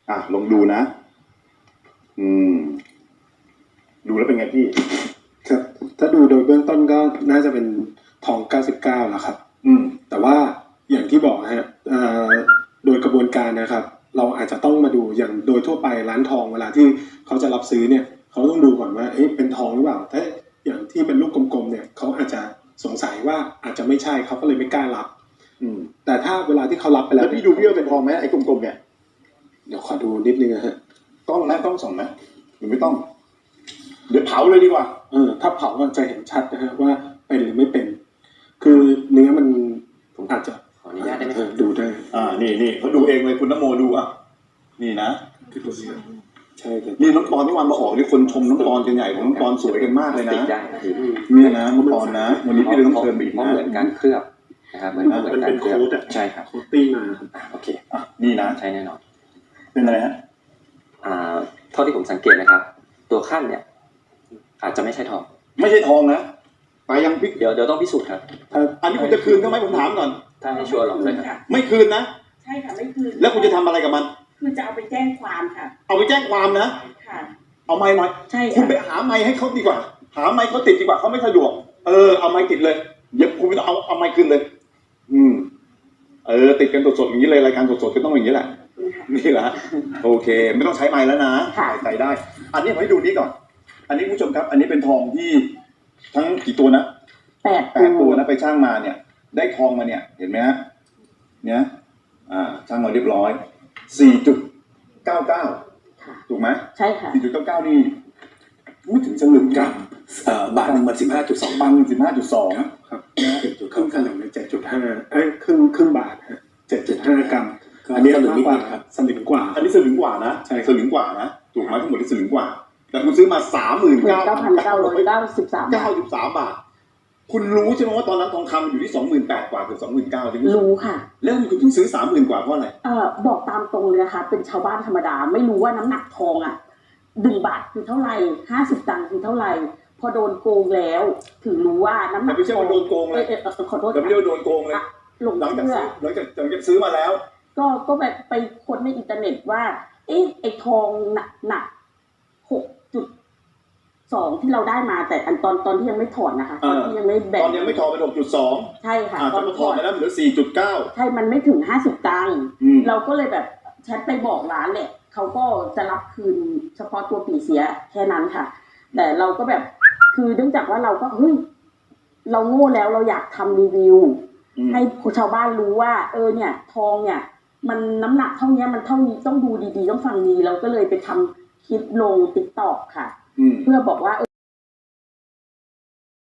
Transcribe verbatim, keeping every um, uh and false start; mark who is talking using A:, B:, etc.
A: อ่ะลองดูนะอืมดูแล้วเป็นไงพี่
B: ครับถ้าดูโดยเบื้องต้นก็น่าจะเป็นทองเก้าสิบเก้าแล้วครับ
A: อืม
B: แต่ว่าอย่างที่บอกฮะเอ่อโดยกระบวนการนะครับเราอาจจะต้องมาดูอย่างโดยทั่วไปร้านทองเวลาที่เขาจะรับซื้อเนี่ยเขาต้องดูก่อนว่าเอ๊ะเป็นทองหรือเปล่าถ้าอย่างที่เป็นลูกกลมๆเนี่ยเขาอาจจะสงสัยว่าอาจจะไม่ใช่เขาก็เลยไม่กล้ารับอืมแต่ถ้าเวลาที่เขารับไปแล้ว
A: แล้วพี่ดูพี่ว่าเป็นทองไหมไอ้กลมๆเนี่ย
B: เดี๋ยวขอดูนิดนึงนะฮะ
A: ต้องนะต้องส่องไหมหรือไม่ต้องเดี๋ยวเผาเลยดีกว่า
B: เออถ้าเผาก็จะเห็นชัดนะฮะว่าเป็นหรือไม่เป็นคือเนื้อมันผมอาจจะ
C: ขออนุญาตได้ไหม
B: ดูได้
A: อ่านี่นี่เขาดูเองเลยคุณนโมดูอ่ะนี่นะ
B: คือตัวนี้ใช่ครับ
A: นี่น้องปอนที่วันมาออกนี่คนชมน้องปอนกันใหญ่ของน้องปอนสวยกันมากเลยนะ
C: นี่
A: นะน้องปอนนะวันนี้พี่เลยต้องเชิญไปอีกนะ
C: เหมือนการเคลือบนะครับเหมือนเหมือนการเคลือบใช่ครับ
B: โคตติ้งมา
C: โอเค
A: อ่ะนี่นะ
C: ใช่แน่นอน
A: เป็นอะไรฮะ
C: อ่าเท่าที่ผมสังเกตนะครับตัวขั้นเนี่ยอาจจะไม่ใช่ทอง
A: ไม่ใช่ทองนะไปยังพิก
C: เดี๋ยวเดี๋ยวต้องพิสูจน์ครับ
A: อันนี้คุณจะคืนเขาไหมผมถามก่อน
C: ถ้าให้ชัวร์หรอกเลยครับ
A: ไม่คืนนะ
D: ใช่ค่ะไม่คืน
A: แล้วคุณจะทำอะไรกับมัน
D: คือจะเอาไปแจ้งความค่ะ
A: เอาไปแจ้งความนะ
D: ค่ะ
A: เอาไม้หน่อย
D: ใช่
A: คุณไปหาไม้ให้เขาดีกว่าหาไม้เขาติดดีกว่าเขาไม่สะดวกเออเอาไม้ติดเลยเดี๋ยวคุณไม่ต้องเอาเอาไม้คืนเลยอืมเออติดกันสดๆอย่างนี้เลยรายการสดๆก็ต้องอย่างนี้แหละนี่แหละโอเคไม่ต้องใช้ไม้แล้วนะใส่ได้อันนี้ผมให้ดูนี้ก่อนอันนี้ผู้ชมครับอันนี้เป็นทองที่ทั้งกี่ตัวนะ
D: แปด
A: แปดตัวนะไปช่างมาเนี่ยได้ทองมาเนี่ยเห็นไหมฮะเนี่ยอ่าช่างมาเรียบร้อยสี่จุดเก้าเก้าถูกไหม
D: ใช่ค่ะ
A: สี่จุดเก้าเก้านี่ไม่ถึงสลึงกรัม
B: เอ่อบาทหนึ่งมันสิบห้าจุดสอง
A: บาทสิบห้าจุดสอง
B: ครับเจ็ดจุดครึ่งสลึงเจ็ดจุดห้าเอ้ยครึ่งครึ่งบาทฮะเจ็ดจุดห้ากรัมอันนี้สลึงกว่าครับสลึงกว่า
A: อันนี้สลึงกว่านะ
B: ใช่
A: สลึงกว่านะถูกไหมทั้งหมดที่สลึงกว่าแต่คุณซื้อมาสามหมื่นเก้า
D: พันเก้าร้อยเก้าสิบสาม
A: เก้าสิบสามบาทคุณรู้ใช่ไหมว่าตอนนั้นทองคำอยู่ที่สองหมื่นแปดกว่าเกือบสองหมื่นเก้า
D: รู้ค่ะ
A: แล้วคุณเพิ่งซื้อสามหมื่นกว่าเพราะอะไร
D: เอ่อบอกตามตรงเลยนะคะเป็นชาวบ้านธรรมดาไม่รู้ว่าน้ำหนักทองอ่ะหนึ่งบาทคือเท่าไหร่ห้าสิบตังค์คือเท่าไหร่พอโดนโกงแล้วถึงรู้ว่าน้ำหนัก
A: ไม่ใช่ว่าโดนโกงเลย
D: ขอโทษ
A: แต่ไม่ใช่ว่าโดนโกงเลย
D: หลงเชื่อ
A: หลังจากหลังจากซื้อมาแล้ว
D: ก็ก็แบบไปค้นในอินเทอร์เน็ตว่าเอ๊ะไอ้ทองหนักหนักหกจุดสองที่เราได้มาแต่อันตอนตอนที่ยังไม่ถอนนะคะตอนที่ยังไม่แบ่ง
A: ตอนยังไม่ถอนเป็นหกจุดสอง
D: ใช่ค่ะ
A: ตอนถอนไปแล้วเหลือสี่จุดเก้า
D: ใช่มันไม่ถึงห้าสิบตังค์เราก็เลยแบบแชทไปบอกร้านแหละเขาก็จะรับคืนเฉพาะตัวปีเสียแค่นั้นค่ะแต่เราก็แบบคือเนื่องจากว่าเราก็เฮ้ยเราโง่แล้วเราอยากทำรีวิวให้ชาวบ้านรู้ว่าเออเนี่ยทองเนี่ยมันน้ำหนักเท่านี้มันเท่านี้ต้องดูดีๆต้องฟังดีเราก็เลยไปทำคลิปลง ติ๊กต็อก ค่ะเพื่อบอกว่า